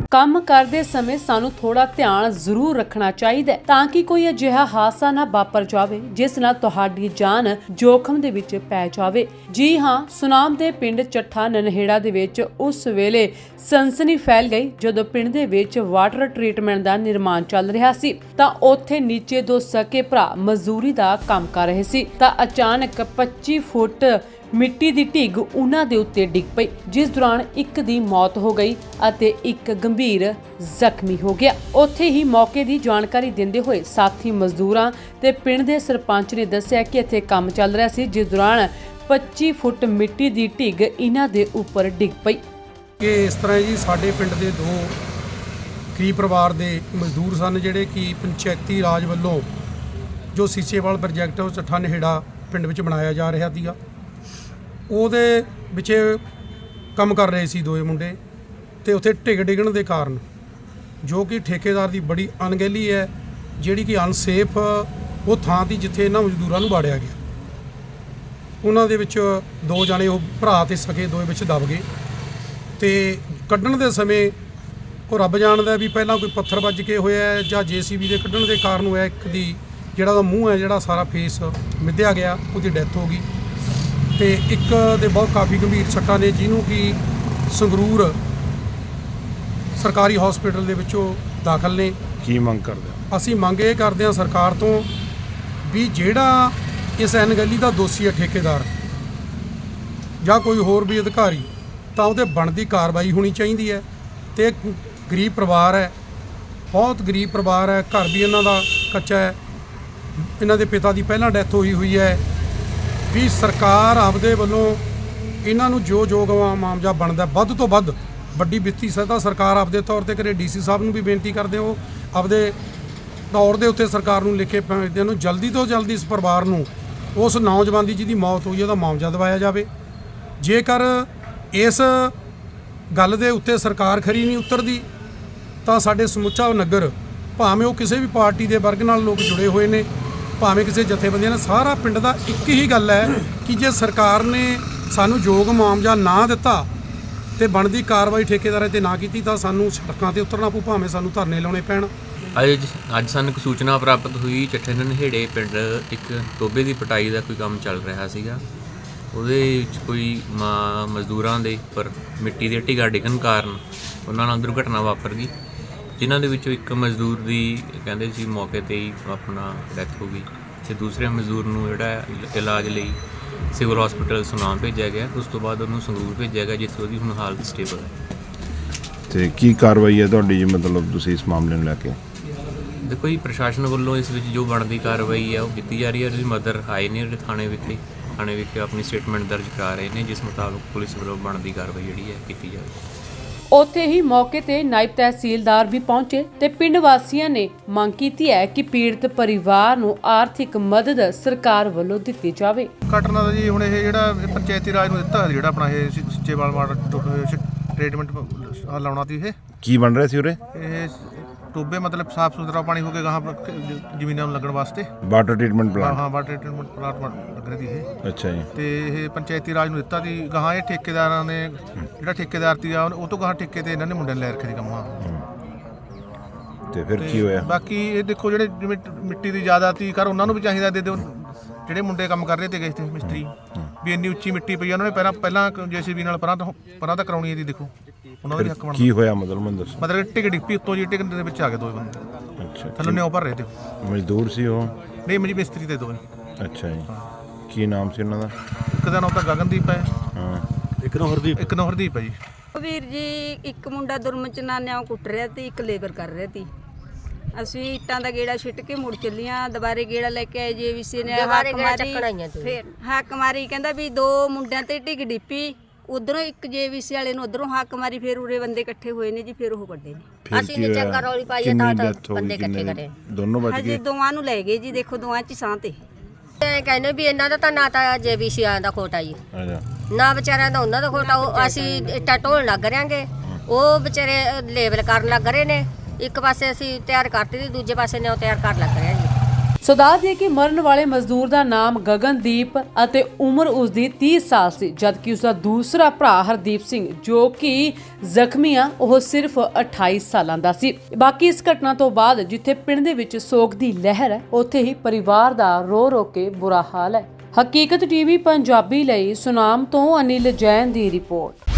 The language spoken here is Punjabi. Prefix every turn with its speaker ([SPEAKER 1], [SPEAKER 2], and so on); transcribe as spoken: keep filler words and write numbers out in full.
[SPEAKER 1] ਕੰਮ ਕਰਦੇ ਸਮੇਂ ਸਾਨੂੰ ਥੋੜਾ ਧਿਆਨ ਜ਼ਰੂਰ ਰੱਖਣਾ ਚਾਹੀਦਾ ਹੈ ਤਾਂ ਕਿ ਕੋਈ ਅਜਿਹਾ ਹਾਦਸਾ ਨਾ ਵਾਪਰ ਜਾਵੇ ਜਿਸ ਨਾਲ ਤੁਹਾਡੀ ਜਾਨ ਜੋਖਮ ਦੇ ਵਿੱਚ ਪੈ ਜਾਵੇ। ਜੀ ਹਾਂ, ਸੁਨਾਮ ਦੇ ਪਿੰਡ ਚੱਠਾ ਨਨਹੇੜਾ ਦੇ ਵਿੱਚ ਉਸ ਵੇਲੇ ਸਨਸਨੀ ਫੈਲ ਗਈ ਜਦੋਂ ਪਿੰਡ ਦੇ ਵਿੱਚ ਵਾਟਰ ਟ੍ਰੀਟਮੈਂਟ ਦਾ ਨਿਰਮਾਣ ਚੱਲ ਰਿਹਾ ਸੀ ਤਾਂ ਉੱਥੇ ਨੀਚੇ ਦੋ ਸਕੇ ਭਰਾ ਮਜ਼ਦੂਰੀ ਦਾ ਕੰਮ ਕਰ ਰਹੇ ਸੀ ਤਾਂ ਅਚਾਨਕ ਪੱਚੀ ਫੁੱਟ ਮਿੱਟੀ ਦੀ ਢਿੱਗ ਉਹਨਾਂ ਦੇ ਉੱਤੇ ਡਿੱਗ ਪਈ, ਜਿਸ ਦੌਰਾਨ ਇੱਕ ਦੀ ਮੌਤ ਹੋ ਗਈ ਅਤੇ ਇੱਕ ਗੰਭੀਰ ਜ਼ਖਮੀ ਹੋ ਗਿਆ। ਉੱਥੇ ਹੀ ਮੌਕੇ ਦੀ ਜਾਣਕਾਰੀ ਦਿੰਦੇ ਹੋਏ ਸਾਥੀ ਮਜ਼ਦੂਰਾਂ ਤੇ ਪਿੰਡ ਦੇ ਸਰਪੰਚ ਨੇ ਦੱਸਿਆ ਕਿ ਇੱਥੇ ਕੰਮ ਚੱਲ ਰਿਹਾ ਸੀ ਜਿਸ ਦੌਰਾਨ ਪੱਚੀ ਫੁੱਟ ਮਿੱਟੀ ਦੀ ਢਿੱਗ ਇਹਨਾਂ ਦੇ ਉੱਪਰ ਡਿੱਗ ਪਈ।
[SPEAKER 2] ਇਹ ਇਸ ਤਰ੍ਹਾਂ ਜੀ, ਸਾਡੇ ਪਿੰਡ ਦੇ ਦੋ ਗਰੀਬ ਪਰਿਵਾਰ ਦੇ ਮਜ਼ਦੂਰ ਸਨ ਜਿਹੜੇ ਕਿ ਪੰਚਾਇਤੀ ਰਾਜ ਵੱਲੋਂ ਜੋ ਸੀਸੇਵਾਲ ਪ੍ਰੋਜੈਕਟ ਉਹ ਚੱਠਾ ਨਹੇੜਾ ਪਿੰਡ ਵਿੱਚ ਬਣਾਇਆ ਜਾ ਰਿਹਾ ਸੀਗਾ, ਉਹਦੇ ਵਿੱਚ ਕੰਮ ਕਰ ਰਹੇ ਸੀ ਦੋਏ ਮੁੰਡੇ ਤੇ ਉੱਥੇ ਢਿੱਗ ਡਿੱਗਣ ਦੇ ਕਾਰਨ ਜੋ ਕਿ ਠੇਕੇਦਾਰ ਦੀ ਬੜੀ ਅਣਗਹਿਲੀ ਹੈ, ਜਿਹੜੀ ਕਿ ਅਨਸੇਫ ਉਹ ਥਾਂ ਦੀ ਜਿੱਥੇ ਇਹਨਾਂ ਮਜ਼ਦੂਰਾਂ ਨੂੰ ਵਾੜਿਆ ਗਿਆ। ਉਹਨਾਂ ਦੇ ਵਿੱਚ ਦੋ ਜਾਣੇ ਉਹ ਭਰਾ ਤੇ ਸਕੇ ਦੋਏ ਵਿੱਚ ਦਬ ਗਏ ਤੇ ਕੱਢਣ ਦੇ ਸਮੇਂ ਉਹ ਰੱਬ ਜਾਣਦਾ ਵੀ ਪਹਿਲਾਂ ਕੋਈ ਪੱਥਰ ਵੱਜ ਕੇ ਹੋਇਆ ਜਾਂ ਜੇਸੀਬੀ ਦੇ ਕੱਢਣ ਦੇ ਕਾਰਨ ਹੋਇਆ। ਇੱਕ ਦੀ ਜਿਹੜਾ ਉਹਦਾ ਮੂੰਹ ਹੈ ਜਿਹੜਾ ਸਾਰਾ ਫੇਸ ਮਿੱਧਿਆ ਗਿਆ, ਉਹਦੀ ਡੈਥ ਹੋ ਗਈ ਤੇ ਇੱਕ ਦੇ ਬਹੁਤ ਕਾਫੀ ਗੰਭੀਰ ਸੱਟਾਂ ਨੇ ਜਿਹਨੂੰ ਕਿ ਸੰਗਰੂਰ ਸਰਕਾਰੀ ਹਸਪੀਟਲ ਦੇ ਵਿੱਚੋਂ ਦਾਖਲ ਨੇ।
[SPEAKER 3] ਕੀ ਮੰਗ ਕਰਦੇ ਹੋ?
[SPEAKER 2] ਅਸੀਂ ਮੰਗ ਇਹ ਕਰਦੇ ਹਾਂ ਸਰਕਾਰ ਤੋਂ ਵੀ ਜਿਹੜਾ ਇਸ ਅਣਗਹਿਲੀ ਦਾ ਦੋਸ਼ੀ ਹੈ ਠੇਕੇਦਾਰ ਜਾਂ ਕੋਈ ਹੋਰ ਵੀ ਅਧਿਕਾਰੀ, ਤਾਂ ਉਹਦੇ ਬਣਦੀ ਕਾਰਵਾਈ ਹੋਣੀ ਚਾਹੀਦੀ ਹੈ। ਤੇ ਗਰੀਬ ਪਰਿਵਾਰ ਹੈ, ਬਹੁਤ ਗਰੀਬ ਪਰਿਵਾਰ ਹੈ, ਘਰ ਵੀ ਇਹਨਾਂ ਦਾ ਕੱਚਾ ਹੈ, ਇਹਨਾਂ ਦੇ ਪਿਤਾ ਦੀ ਪਹਿਲਾਂ ਡੈਥ ਹੋਈ ਹੋਈ ਹੈ। ਵੀ ਸਰਕਾਰ ਆਪਦੇ ਵੱਲੋਂ ਇਹਨਾਂ ਨੂੰ ਜੋ ਜੋ ਮੁਆਵਜ਼ਾ ਬਣਦਾ ਵੱਧ ਤੋਂ ਵੱਧ ਵੱਡੀ ਵਿੱਤੀ ਸਹਾਇਤਾ ਸਰਕਾਰ ਆਪਦੇ ਤੌਰ ਤੇ ਕਰੇ। ਡੀਸੀ ਸਾਹਿਬ ਨੂੰ ਵੀ ਬੇਨਤੀ ਕਰਦੇ ਹੋ ਆਪਦੇ ਤੌਰ ਦੇ ਉੱਤੇ ਸਰਕਾਰ ਨੂੰ ਲਿਖੇ ਭੇਜਦੇ ਨੂੰ ਜਲਦੀ ਤੋਂ ਜਲਦੀ ਇਸ ਪਰਿਵਾਰ ਨੂੰ ਉਸ ਨੌਜਵਾਨ ਦੀ ਜਿਹਦੀ ਮੌਤ ਹੋਈ ਉਹਦਾ ਮੁਆਵਜ਼ਾ ਦਿਵਾਇਆ ਜਾਵੇ। ਜੇਕਰ ਇਸ ਗੱਲ ਦੇ ਉੱਤੇ ਸਰਕਾਰ ਖਰੀ ਨਹੀਂ ਉਤਰਦੀ ਤਾਂ ਸਾਡੇ ਸਮੁੱਚਾ ਨਗਰ, ਭਾਵੇਂ ਉਹ ਕਿਸੇ ਵੀ ਪਾਰਟੀ ਦੇ ਵਰਗ ਨਾਲ ਲੋਕ ਜੁੜੇ ਹੋਏ ਨੇ, ਭਾਵੇਂ ਕਿਸੇ ਜਥੇਬੰਦੀਆਂ ਨਾਲ, ਸਾਰਾ ਪਿੰਡ ਦਾ ਇੱਕ ਹੀ ਗੱਲ ਹੈ ਕਿ ਜੇ ਸਰਕਾਰ ਨੇ ਸਾਨੂੰ ਯੋਗ ਮੁਆਵਜ਼ਾ ਨਾ ਦਿੱਤਾ ਤੇ ਬਣਦੀ ਕਾਰਵਾਈ ਠੇਕੇਦਾਰਾਂ ਤੇ ਨਾ ਕੀਤੀ ਤਾਂ ਸਾਨੂੰ ਸੜਕਾਂ ਤੇ ਉਤਰਨਾ ਪਊ, ਭਾਵੇਂ ਸਾਨੂੰ ਧਰਨੇ ਲਾਉਣੇ ਪੈਣ।
[SPEAKER 4] ਅੱਜ ਅੱਜ ਸਾਨੂੰ ਇੱਕ ਸੂਚਨਾ ਪ੍ਰਾਪਤ ਹੋਈ, ਚੱਠੇ ਨਨਹੇੜੇ ਪਿੰਡ ਇੱਕ ਟੋਬੇ ਦੀ ਪਟਾਈ ਦਾ ਕੋਈ ਕੰਮ ਚੱਲ ਰਿਹਾ ਸੀਗਾ। ਉਹਦੇ ਵਿੱਚ ਕੋਈ ਮਜ਼ਦੂਰਾਂ ਦੇ ਉੱਪਰ ਮਿੱਟੀ ਦੇ ਢਿੱਗਾ ਡਿੱਗਣ ਕਾਰਨ ਉਹਨਾਂ ਨਾਲ ਦੁਰਘਟਨਾ ਵਾਪਰ ਗਈ, ਜਿਨ੍ਹਾਂ ਦੇ ਵਿੱਚੋਂ ਇੱਕ ਮਜ਼ਦੂਰ ਦੀ ਕਹਿੰਦੇ ਸੀ ਮੌਕੇ 'ਤੇ ਹੀ ਆਪਣਾ ਡੈਥ ਹੋ ਗਈ ਅਤੇ ਦੂਸਰੇ ਮਜ਼ਦੂਰ ਨੂੰ ਜਿਹੜਾ ਇਲਾਜ ਲਈ ਸਿਵਲ ਹਸਪੀਟਲ ਸੁਨਾਮ ਭੇਜਿਆ ਗਿਆ। ਉਸ ਤੋਂ ਬਾਅਦ ਉਹਨੂੰ ਸੰਗਰੂਰ ਭੇਜਿਆ ਗਿਆ ਜਿੱਥੇ ਉਹਦੀ ਹੁਣ ਹਾਲਤ ਸਟੇਬਲ ਹੈ। ਅਤੇ ਕੀ ਕਾਰਵਾਈ ਹੈ ਤੁਹਾਡੀ ਜੀ, ਮਤਲਬ ਤੁਸੀਂ ਇਸ ਮਾਮਲੇ ਨੂੰ ਲੈ ਕੇ? ਦੇਖੋ ਜੀ, ਪ੍ਰਸ਼ਾਸਨ ਵੱਲੋਂ ਇਸ ਵਿੱਚ ਜੋ ਬਣਦੀ ਕਾਰਵਾਈ ਹੈ ਉਹ ਕੀਤੀ ਜਾ ਰਹੀ ਹੈ। ਉਹਦੀ ਮਦਰ ਆਏ ਨੇ ਥਾਣੇ ਵਿਖੇ ਥਾਣੇ ਵਿਖੇ ਆਪਣੀ ਸਟੇਟਮੈਂਟ ਦਰਜ ਕਰਾ ਰਹੇ ਨੇ, ਜਿਸ ਮੁਤਾਬਕ ਪੁਲਿਸ ਵੱਲੋਂ ਬਣਦੀ ਕਾਰਵਾਈ ਜਿਹੜੀ ਹੈ ਕੀਤੀ ਜਾਵੇ।
[SPEAKER 1] ਉੱਥੇ ਹੀ ਮੌਕੇ ਤੇ ਨਾਇਬ ਤਹਿਸੀਲਦਾਰ ਵੀ ਪਹੁੰਚੇ ਤੇ ਪਿੰਡ ਵਾਸੀਆਂ ਨੇ ਮੰਗ ਕੀਤੀ ਹੈ ਕਿ ਪੀੜਤ ਪਰਿਵਾਰ ਨੂੰ ਆਰਥਿਕ ਮਦਦ ਸਰਕਾਰ ਵੱਲੋਂ ਦਿੱਤੀ ਜਾਵੇ।
[SPEAKER 5] ਘਟਨਾ ਦਾ ਜੀ ਹੁਣ ਇਹ ਜਿਹੜਾ ਪੰਚਾਇਤੀ ਰਾਜ ਨੂੰ ਦਿੱਤਾ ਜਿਹੜਾ ਆਪਣਾ ਇਹ ਸੀਚੇਵਾਲ ਵਾਟਰ ਟ੍ਰੀਟਮੈਂਟ ਲਾਉਣਾ ਸੀ, ਇਹ ਕੀ ਬਣ ਰਿਹਾ ਸੀ ਉਰੇ? ਇਹ ਟੋਬੇ ਮਤਲਬ ਸਾਫ ਸੁਥਰਾ ਪਾਣੀ ਹੋ ਕੇ ਗਾਹਾਂ ਜ਼ਮੀਨਾਂ ਨੂੰ ਲੱਗਣ ਵਾਸਤੇ ਵਾਟਰ ਟ੍ਰੀਟਮੈਂਟ ਪਲਾਂਟ ਹਾਂ ਵਾਟਰ ਟ੍ਰੀਟਮੈਂਟ ਪਲਾਂਟ ਲੱਗ ਰਹੀ ਸੀ ਇਹ। ਅੱਛਾ ਜੀ। ਤੇ ਇਹ ਪੰਚਾਇਤੀ ਰਾਜ ਨੂੰ ਦਿੱਤਾ ਸੀ ਗਾਹਾਂ, ਇਹ ਠੇਕੇਦਾਰਾਂ ਨੇ ਜਿਹੜਾ ਠੇਕੇਦਾਰ ਸੀ ਉਹ ਤੋਂ ਗਾਹਾਂ ਠੇਕੇ ਤੇ ਇਹਨਾਂ ਨੇ ਮੁੰਡਿਆਂ ਨੇ ਲੈ ਰੱਖੇ ਸੀ ਕੰਮਾਂ। ਤੇ ਫਿਰ ਕੀ ਹੋਇਆ? ਬਾਕੀ ਇਹ ਦੇਖੋ ਜਿਹੜੇ ਜਿਵੇਂ ਮਿੱਟੀ ਦੀ ਜ਼ਿਆਦਾ ਤੀ ਕਰ ਉਹਨਾਂ ਨੂੰ ਵੀ ਚਾਹੀਦਾ ਦੇ ਦਿਓ, ਜਿਹੜੇ ਮੁੰਡੇ ਕੰਮ ਕਰ ਰਹੇ ਤੇ ਗਏ ਤੇ ਮਿਸਤਰੀ ਵੀ ਇੰਨੀ ਉੱਚੀ ਮਿੱਟੀ ਪਈ ਉਹਨਾਂ ਨੇ ਪਹਿਲਾਂ ਪਹਿਲਾਂ ਜੇਸੀਬੀ ਨਾਲ ਪਰਾਂ ਤੋਂ ਪਰਾਂ ਤਾਂ ਕਰਾਉਣੀ ਇਹਦੀ। ਦੇਖੋ ਉਹਨਾਂ ਦਾ ਹੱਕ ਬਣਦਾ। ਕੀ ਹੋਇਆ ਮਤਲਬ ਮੈਨੂੰ ਦੱਸੋ? ਮਤਲਬ ਟਿਕ ਡਿੱਪੀ ਉੱਤੋਂ ਜੀ ਟਿਕ ਦੇ ਵਿੱਚ ਆ ਗਏ ਦੋ ਬੰਦੇ। ਅੱਛਾ। ਥੱਲੇ ਨਿਉ ਭਰ ਰਹੇ ਤੇ ਮਜ਼ਦੂਰ ਸੀ ਉਹ? ਨਹੀਂ ਮੇਰੀ ਮਿਸਤਰੀ ਤੇ ਦੋਵੇਂ। ਅੱਛਾ ਜੀ। ਕੀ ਨਾਮ ਸੀ ਉਹਨਾਂ ਦਾ? ਇੱਕ ਦਾ ਨਾਮ ਤਾਂ ਗਗਨਦੀਪ ਹੈ, ਹਾਂ, ਇੱਕ ਨੂੰ ਹਰਦੀਪ ਇੱਕ ਨੂੰ ਹਰਦੀਪ ਹੈ ਜੀ।
[SPEAKER 6] ਵੀਰ ਜੀ ਇੱਕ ਮੁੰਡਾ ਦੁਰਮਚ ਨਾਲ ਨਿਆਂ ਕੁੱਟ ਰਿਹਾ ਤੇ ਇੱਕ ਲੇਬਰ ਕਰ ਰਿਹਾ ਸੀ। ਅਸੀਂ ਇੱਟਾਂ ਦਾ ਗੇੜਾ ਛਿੱਟ ਕੇ ਮੁੜ ਚੱਲੀਆਂ, ਦੁਬਾਰੇ ਗੇੜਾ ਲੈ ਕੇ ਆਏ ਜੇ ਵੀਸੀ ਨੇ ਹੱਕ ਮਾਰੀ, ਫਿਰ ਹੱਕ ਮਾਰੀ ਕਹਿੰਦਾ ਵੀ ਦੋ ਮੁੰਡਿਆਂ ਤੇ ਢਿੱਗ ਡਿੱਪੀ, ਉਧਰੋਂ ਇੱਕ ਜੇਵੀਸੀ ਵਾਲੇ ਨੂੰ ਉਧਰੋਂ ਹੱਕ ਮਾਰੀ, ਫਿਰ ਉਰੇ ਬੰਦੇ ਇਕੱਠੇ ਹੋਏ ਨੇ ਜੀ, ਫਿਰ ਉਹ ਵੱਡੇ ਨੇ।
[SPEAKER 3] ਅਸੀਂ ਨੇ ਚੰਗਾ ਰੌਲੀ ਪਾਈ ਤਾਂ ਬੰਦੇ ਇਕੱਠੇ ਕਰੇ, ਦੋਨੋਂ ਬਚ ਗਏ। ਹਾਂਜੀ,
[SPEAKER 6] ਦੋਵਾਂ ਨੂੰ ਲੈ ਗਏ ਜੀ, ਦੇਖੋ ਦੋਵਾਂ 'ਚ ਸਾਹ ਤੇ
[SPEAKER 7] ਕਹਿੰਦੇ ਵੀ ਇਹਨਾਂ ਦਾ ਤਾਂ ਨਾ ਤਾਂ ਜੇਬੀਸੀ ਆਇਆਂ ਦਾ ਖੋਟਾ ਜੀ, ਨਾ ਵਿਚਾਰਿਆਂ ਦਾ ਉਹਨਾਂ ਦਾ ਖੋਟਾ। ਅਸੀਂ ਇੱਟਾਂ ਢੋਣ ਲੱਗ ਰਿਆਂਗੇ, ਉਹ ਵਿਚਾਰੇ ਲੇਬਲ ਕਰਨ ਲੱਗ ਰਹੇ ਨੇ। ਇੱਕ ਪਾਸੇ ਅਸੀਂ ਤਿਆਰ ਕਰਤੀ, ਦੂਜੇ ਪਾਸੇ ਨੇ ਉਹ ਤਿਆਰ ਕਰ ਲੱਗ ਰਿਹਾ ਜੀ।
[SPEAKER 1] ਸੋ ਦੱਸ ਦਈਏ ਕਿ ਮਰਨ ਵਾਲੇ ਮਜ਼ਦੂਰ ਦਾ ਨਾਮ ਗਗਨਦੀਪ ਅਤੇ ਉਮਰ ਉਸ ਦੀ ਤੀਹ ਸਾਲ ਸੀ, ਜਦਕਿ ਉਸ ਦਾ ਦੂਸਰਾ ਭਰਾ ਹਰਦੀਪ ਸਿੰਘ ਜੋ ਕਿ ਜ਼ਖਮੀ ਆ ਉਹ ਸਿਰਫ ਅਠਾਈ ਸਾਲਾਂ ਦਾ ਸੀ। ਬਾਕੀ ਇਸ ਘਟਨਾ ਤੋਂ ਬਾਅਦ ਜਿੱਥੇ ਪਿੰਡ ਦੇ ਵਿੱਚ ਸੋਗ ਦੀ ਲਹਿਰ ਹੈ, ਉੱਥੇ ਹੀ ਪਰਿਵਾਰ ਦਾ ਰੋ ਰੋ ਕੇ ਬੁਰਾ ਹਾਲ ਹੈ। ਹਕੀਕਤ ਟੀਵੀ ਪੰਜਾਬੀ ਲਈ ਸੁਨਾਮ ਤੋਂ ਅਨਿਲ ਜੈਨ ਦੀ ਰਿਪੋਰਟ।